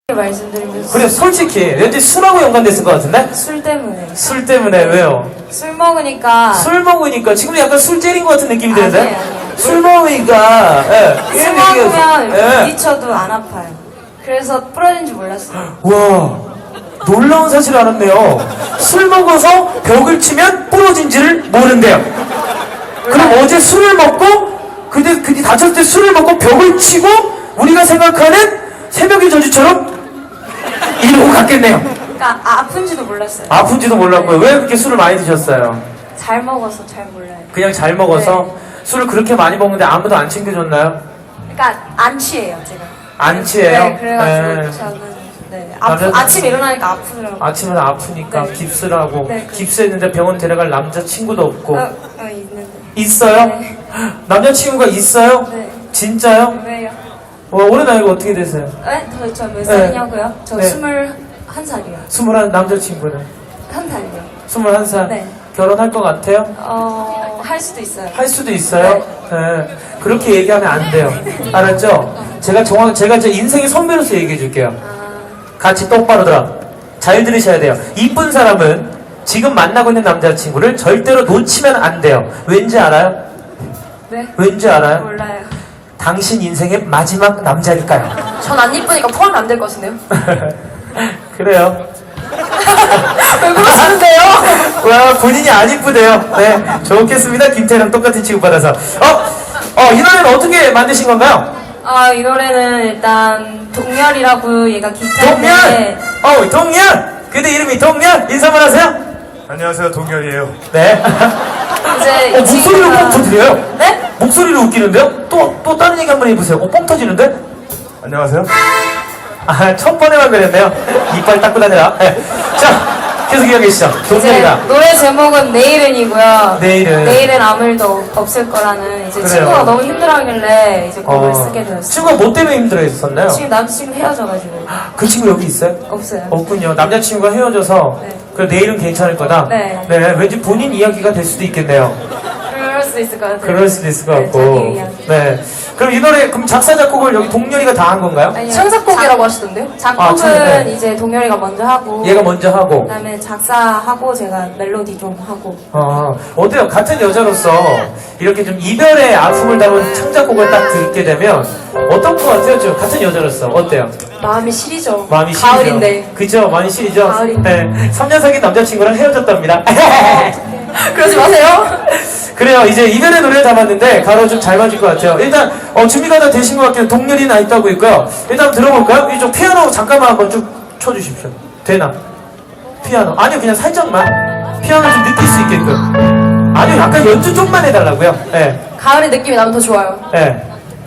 말씀드리면서 그래, 솔직히 왠지 술하고 연관됐을 것 같은데? 술 때문에 술 때문에 왜요? 술 먹으니까 술 먹으니까 지금 약간 술 째린 것 같은 느낌이 드는데? 아니에요. 술 먹으니까 술 먹으면 예. 부딪혀도 안 아파요. 그래서 부러진 줄 몰랐어요. 와, 놀라운 사실을 알았네요. 술 먹어서 벽을 치면 부러진지를 모른대요. 그럼 어제 술을 먹고 그뒤 다쳤을 때 술을 먹고 벽을 치고 우리가 생각하는 새벽의 저주처럼 이러고 갔겠네요. 그러니까 아픈지도 몰랐어요. 아픈지도 몰랐고요. 왜 그렇게 술을 많이 드셨어요? 잘 먹어서 잘 몰라요. 그냥 잘 먹어서 술을 그렇게 많이 먹는데 아무도 안 챙겨줬나요? 그러니까 안 취해요, 제가. 안 취해요? 네, 그래가지고 네. 저는 남자들- 아침에 일어나니까 아프더라고요. 아침은 아프니까 네. 깁스를 하고 네. 깁스했는데 병원 데려갈 남자친구도 없고 있는데. 있어요? 네. 남자친구가 있어요? 네. 진짜요? 왜요? 올해 나이가 어떻게 되세요? 네? 저 몇 살이냐고요? 저 네. 21살이요. 21 남자친구는? 한 살이요. 21살? 네. 결혼할 것 같아요? 할 수도 있어요. 할 수도 있어요? 네. 그렇게 얘기하면 안 돼요. 알았죠? 제가 제 인생의 선배로서 얘기해 줄게요. 같이 똑바로 들어. 잘 들으셔야 돼요. 이쁜 사람은 지금 만나고 있는 남자친구를 절대로 놓치면 안 돼요. 왠지 알아요? 네? 왠지 알아요? 몰라요. 당신 인생의 마지막 남자니까요. 전 안 이쁘니까 포함이 안 될 것 같은데요? 그래요. 왜 그러시는데요? 와, 본인이 안 이쁘대요. 네, 좋겠습니다. 김태랑 똑같은 취급받아서. 이 노래는 어떻게 만드신 건가요? 이 노래는 일단 동열이라고 얘가 동열! 기타인데 동열! 그대 이름이 동열? 인사만 하세요? 안녕하세요, 동열이에요. 네. 이제 목소리로 뻥 터뜨려요? 네? 목소리로 웃기는데요? 또 다른 얘기 한번 해보세요. 뻥 터지는데? 안녕하세요. 첫 번에만 그랬네요. 이빨 닦고 다니라. 네. 자, 계속 이야기하시죠. 이제 동열이가. 노래 제목은 내일은이고요. 내일은. 아무 일도 없을 거라는 이제 그래요. 친구가 너무 힘들어하길래 이제 곡을 쓰게 되었어요. 친구가 뭐 때문에 힘들어 했었나요? 지금 남자친구 헤어져가지고 그 친구 여기 있어요? 없어요. 없군요. 남자친구가 헤어져서 네. 그래 내일은 괜찮을 거다. 네. 왠지 본인 이야기가 될 수도 있겠네요. 그럴 수도 있을 것 같아요. 그럴 수도 있을 것 네, 같고. 자기 이야기. 네. 그럼 이 노래 그럼 작사 작곡을 여기 동열이가 다 한 건가요? 아니요. 창작곡이라고 하시던데요? 작곡은 네. 이제 동열이가 먼저 하고 얘가 먼저 하고. 그다음에 작사하고 제가 멜로디 좀 하고. 어때요? 같은 여자로서 이렇게 좀 이별의 아픔을 담은 창작곡을 딱 듣게 되면 어떤 것 같아요? 좀 같은 여자로서 어때요? 마음이 시리죠. 마음이 시리죠. 가을인데. 그죠? 많이 시리죠? 가을인데. 네. 3년 사귄 남자친구랑 헤어졌답니다. 그러지 마세요. 그래요. 이제 이별의 노래를 담았는데 가로 좀 잘 맞을 것 같아요. 일단 준비가 다 되신 것 같아요. 동렬이 나 있다고 있고요. 일단 한번 들어볼까요? 이쪽 피아노 잠깐만 한번 쭉 쳐주십시오. 되나? 피아노. 아니요, 그냥 살짝만. 피아노 좀 느낄 수 있게끔. 아니요, 약간 연주 좀만 해달라고요. 네. 가을의 느낌이 나면 더 좋아요. 네.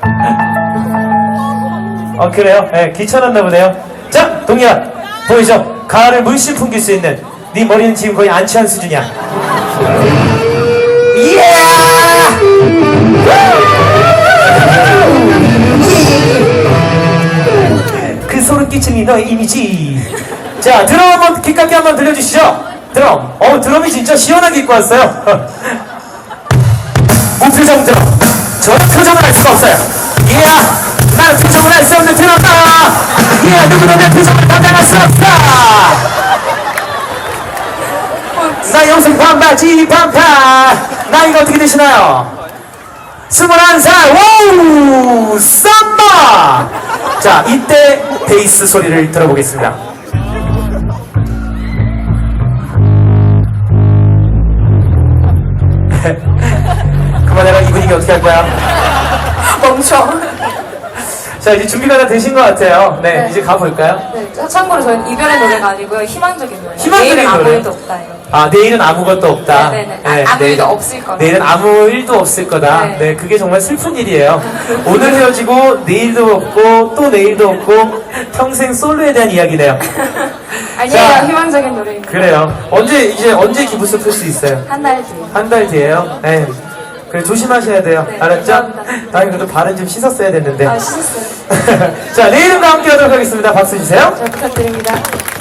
그래요? 네, 귀찮았나 보네요. 자, 동렬아, 보이죠? 가을을 물씬 풍길 수 있는 네 머리는 지금 거의 안 취한 수준이야. 예! 그 소름 끼치니 너의 이미지. 자, 드럼 한번 기깔게 한번 들려주시죠. 드럼. 드럼이 진짜 시원하게 입고 왔어요. 무표정 드럼. 저는 표정을 할 수가 없어요. 이야, 나는 표정을 할 수 없는 드럼다. 이야, 누구도 내 표정을 감당할 수 없다. 나 영생 반바지 반팔. 나이가 어떻게 되시나요? 21살. 와우, 쌈바. 자, 이때 베이스 소리를 들어보겠습니다. 그만해라. 이 분위기 어떻게 할 거야? 멈춰. 자, 이제 준비가 다 되신 것 같아요. 네, 네. 이제 가볼까요? 네, 참고로 저희는 이별의 노래가 아니고요. 희망적인 노래예요. 희망적인 내일은 아무 노래. 일도 없다 이거. 내일은 아무것도 없다. 네네네. 아무 일도 없을 거다. 내일은 아무 일도 없을 거다. 네. 네, 그게 정말 슬픈 일이에요. 오늘 헤어지고 내일도 없고 또 내일도 없고 평생 솔로에 대한 이야기네요. 아니에요. 자. 희망적인 노래입니다. 그래요. 언제 기부스 풀 수 있어요? 한 달 뒤에. 한 달 뒤에요. 네. 그래 조심하셔야 돼요. 네, 알았죠? 감사합니다. 다행히 그래도 발은 좀 씻었어야 됐는데. 씻었어요. 자, 내일은과 함께 하도록 하겠습니다. 박수 주세요. 잘 부탁드립니다.